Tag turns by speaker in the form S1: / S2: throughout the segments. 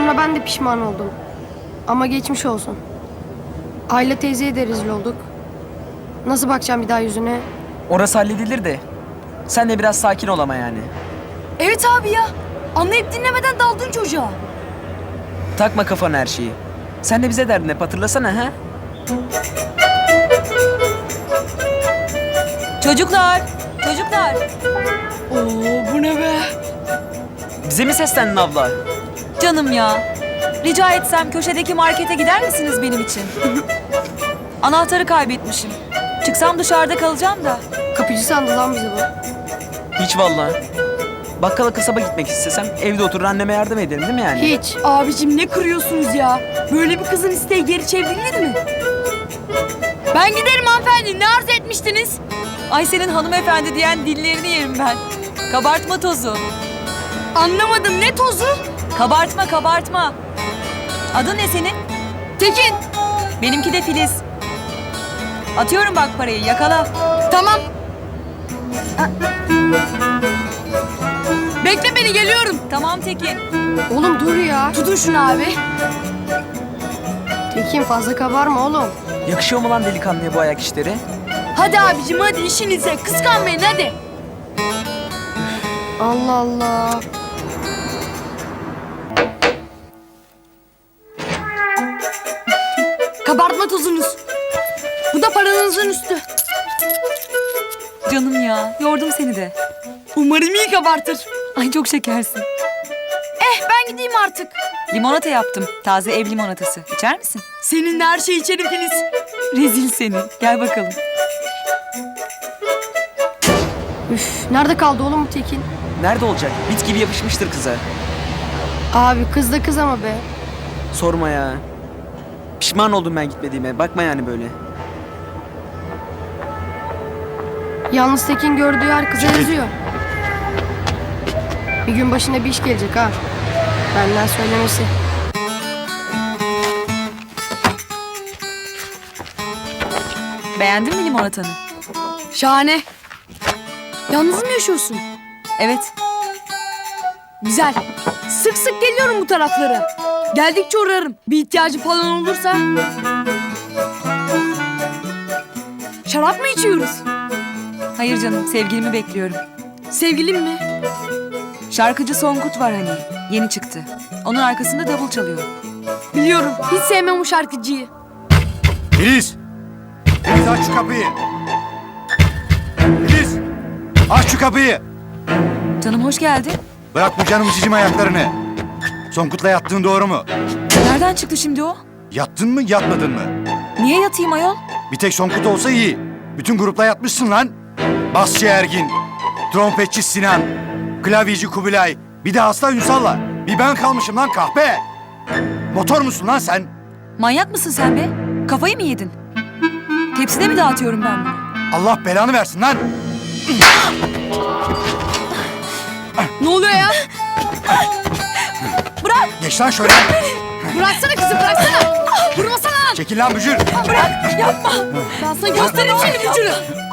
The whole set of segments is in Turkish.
S1: sonra ben de pişman oldum. Ama geçmiş olsun. Ayla teyzeye de rezil olduk. Nasıl bakacağım bir daha yüzüne?
S2: Orası halledilir de. Sen de biraz sakin ol ama yani.
S3: Evet abi ya. Anlayıp dinlemeden daldın çocuğa.
S2: Takma kafana her şeyi. Sen de bize derdin hep hatırlasana ha?
S4: Çocuklar, çocuklar.
S3: Oo bu ne be?
S2: Bize mi seslendin abla?
S4: Canım ya. Rica etsem köşedeki markete gider misiniz benim için? Anahtarı kaybetmişim. Çıksam dışarıda kalacağım da.
S1: Kapıcı sandı lan bizi bu.
S2: Hiç vallahi. Bakkala kasaba gitmek istesem evde oturur anneme yardım ederim değil mi yani?
S1: Hiç.
S3: Abicim ne kırıyorsunuz ya? Böyle bir kızın isteği geri çevrilir mi? Ben giderim hanımefendi. Ne arz etmiştiniz?
S4: Ay senin hanımefendi diyen dillerini yerim ben. Kabartma tozu.
S3: Anlamadım, ne tozu?
S4: Kabartma, kabartma. Adın ne senin?
S3: Tekin.
S4: Benimki de Filiz. Atıyorum bak parayı, yakala.
S3: Tamam. Bekle beni, geliyorum.
S4: Tamam Tekin.
S1: Oğlum dur ya.
S3: Tutun şunu abi.
S1: Tekin fazla kabarma oğlum.
S2: Yakışıyor mu lan delikanlıya bu ayak işleri?
S3: Hadi abicim, hadi işinize. Kıskanmayın hadi.
S1: Allah Allah.
S3: Kabartma tozunuz. Bu da paranızın üstü.
S4: Canım ya, yordum seni de.
S3: Umarım iyi kabartır.
S4: Ay çok şekersin.
S3: Ben gideyim artık.
S4: Limonata yaptım. Taze ev limonatası. İçer misin?
S3: Seninle her şeyi içerim Filiz.
S4: Rezil seni. Gel bakalım.
S1: Üf, nerede kaldı oğlum bu Tekin?
S2: Nerede olacak? Bit gibi yapışmıştır kıza.
S1: Abi kız da kız ama be.
S2: Sorma ya. Pişman oldum ben gitmediğime. Bakma yani böyle.
S1: Yalnız Tekin gördüğü her kıza yazıyor. Bir gün başına bir iş gelecek ha. Benden söylemesi.
S4: Beğendin mi limonatanı?
S3: Şahane. Yalnız mı yaşıyorsun?
S4: Evet.
S3: Güzel. Sık sık geliyorum bu taraflara. Geldikçe uğrarım. Bir ihtiyacı falan olursa. Şarap mı içiyoruz?
S4: Hayır canım, sevgilimi bekliyorum.
S3: Sevgilim mi?
S4: Şarkıcı Songkut var hani. Yeni çıktı. Onun arkasında davul çalıyor.
S3: Biliyorum. Hiç sevmem o şarkıcıyı.
S5: Filiz! Filiz aç şu kapıyı! Filiz! Aç şu kapıyı!
S4: Canım hoş geldin.
S5: Bırak bu canım cicim ayaklarını. Songkut'la yattığın doğru mu?
S4: Nereden çıktı şimdi o?
S5: Yattın mı yatmadın mı?
S4: Niye yatayım ayol?
S5: Bir tek Songkut olsa iyi. Bütün grupla yatmışsın lan. Basçı Ergin, trompetçi Sinan, klavyeci Kubilay, bir de hasta Ünsal'la. Bir ben kalmışım lan kahpe. Motor musun lan sen?
S4: Manyak mısın sen be? Kafayı mı yedin? Tepside mi dağıtıyorum ben bunu?
S5: Allah belanı versin lan.
S3: Ne oluyor ya?
S4: Bırak!
S5: Geç lan şöyle.
S3: Bıraksana kızı, bıraksana. Vurmasana lan.
S5: Çekil lan bücür.
S4: Bırak! Yapma!
S3: Ben sana göstereyim seni vücudu.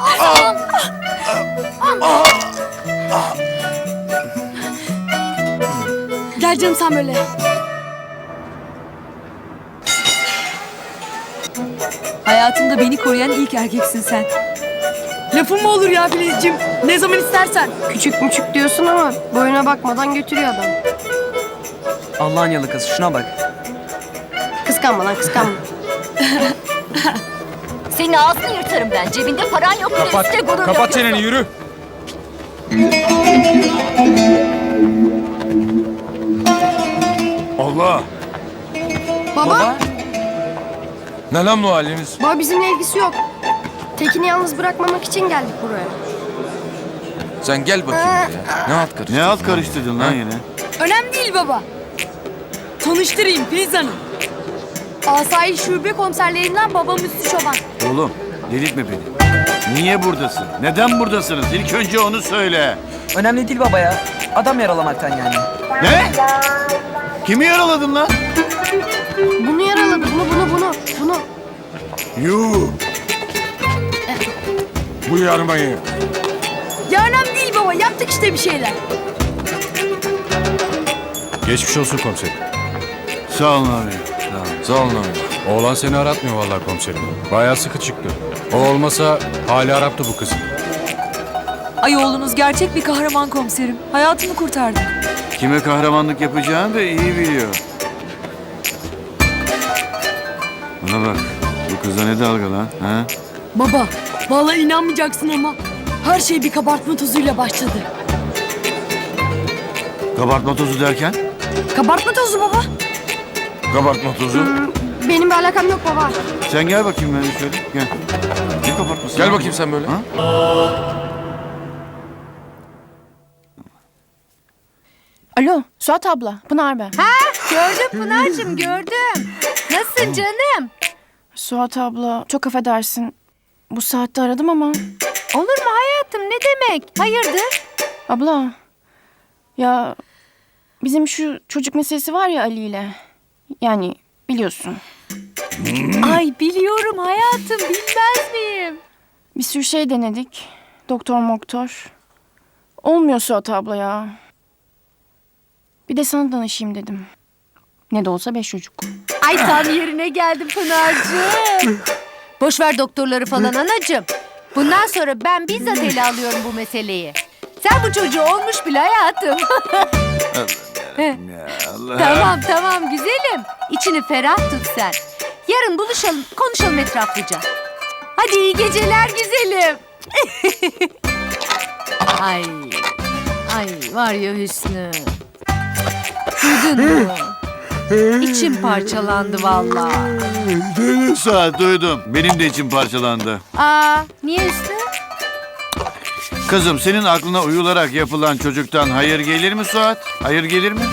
S3: Gel canım sen böyle.
S4: Hayatımda beni koruyan ilk erkeksin sen.
S3: Lafın mı olur ya Filizciğim? Ne zaman istersen.
S1: Küçük müçük diyorsun ama boyuna bakmadan götürüyor adam.
S2: Allah'ın yalı kız. Şuna bak.
S1: Kıskanma lan kıskanma.
S6: Senin ağzını yırtarım ben. Cebinde paran yok bile üstte gurur
S7: Kapat
S6: yapıyorsun.
S7: çeneni yürü. Allah.
S1: Baba,
S7: Ne lan bu haliniz?
S1: baba bizimle ilgisi yok. Tekin'i yalnız bırakmamak için geldik buraya.
S7: Sen gel bakayım buraya. Ne alt karıştırdın?
S5: Ne alt karıştırdın lan yine?
S3: Önemli değil baba. Tanıştırayım Filiz Hanım. Asayiş Şube komiserlerinden babam Üstü Çoban.
S8: Oğlum delirtme beni. Niye buradasın? Neden buradasınız? İlk önce onu söyle.
S2: Önemli değil baba ya. Adam yaralamaktan yani.
S8: Ne? Kimi yaraladın lan?
S1: Bunu yaraladı, bunu.
S8: Yuh.
S7: Bu yarmayı.
S3: Ya önemli değil baba, yaptık işte bir şeyler.
S7: Geçmiş olsun komiserim.
S8: Sağ olun abi. Sağ olun.
S7: Sağ olun abi.
S9: Oğlan seni aratmıyor vallahi komiserim. Bayağı sıkı çıktı. O olmasa hali Arap'tı bu kızın.
S4: Ay oğlunuz gerçek bir kahraman komiserim. Hayatımı kurtardı.
S8: Kime kahramanlık yapacağını da iyi biliyor. Bana bak. Bu kıza ne dalga lan? Ha?
S3: Baba, vallahi inanmayacaksın ama her şey bir kabartma tozuyla başladı.
S8: Kabartma tozu derken?
S3: Kabartma tozu baba.
S7: Kabartma tozu.
S1: Benim bir alakam yok baba.
S8: Sen gel bakayım ben şöyle. Gel. Ne kabartması?
S7: Gel
S8: lan?
S7: bakayım sen böyle.
S8: Ha?
S10: Alo, Suat abla, Pınar ben.
S6: Gördüm Pınar'cığım gördüm. Nasılsın canım?
S10: Suat abla, çok affedersin. Bu saatte aradım ama...
S6: Olur mu hayatım ne demek? Hayırdır?
S10: Abla, ya bizim şu çocuk meselesi var ya Ali ile. Yani biliyorsun.
S6: Ay biliyorum hayatım bilmez miyim?
S10: Bir sürü şey denedik. Doktor. Olmuyor Suat abla ya. Bir de sana danışayım dedim. Ne de olsa 5 çocuk.
S6: Ay tam yerine geldim Pınar'cığım. Boş ver doktorları falan anacığım. Bundan sonra ben bizzat ele alıyorum bu meseleyi. Sen bu çocuğu olmuş bile hayatım. Tamam güzelim. İçini ferah tut sen. Yarın buluşalım konuşalım etraflıca. Hadi iyi geceler güzelim. Ay var ya Hüsnü. Duydun mu? İçim parçalandı vallahi.
S8: Duydum Suat duydum. Benim de içim parçalandı.
S6: Niye Hüsnü?
S8: Kızım senin aklına uyularak yapılan çocuktan hayır gelir mi Suat? Hayır gelir mi?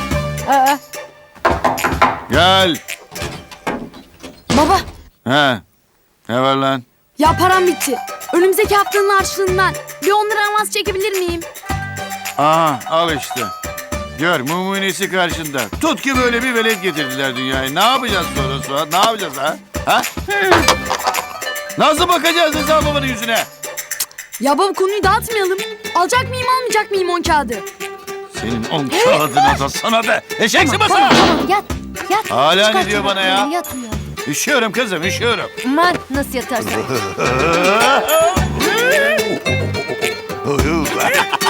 S8: Gel.
S3: Baba,
S8: He. Ne var lan?
S3: ya param bitti. Önümüzdeki haftanın harçlığından bir 10 lira avans çekebilir miyim?
S8: Aha al işte. Gör mumunesi karşında. Tut ki böyle bir velet getirdiler dünyaya. Ne yapacağız sonra Suat? Ne yapacağız ha? Ha? Nasıl bakacağız hesabımın yüzüne?
S3: Ya baba konuyu dağıtmayalım. Alacak mıyım almayacak mıyım 10 kağıdı?
S8: Senin 10 kağıdına da sana da. Eşek sıması.
S6: Tamam yat.
S8: Hala
S6: Çıkart
S8: ne diyor bana ya?
S6: çoraplarını, Yat uyan.
S8: Üşüyorum kızım üşüyorum.
S6: Aman nasıl yatarsın?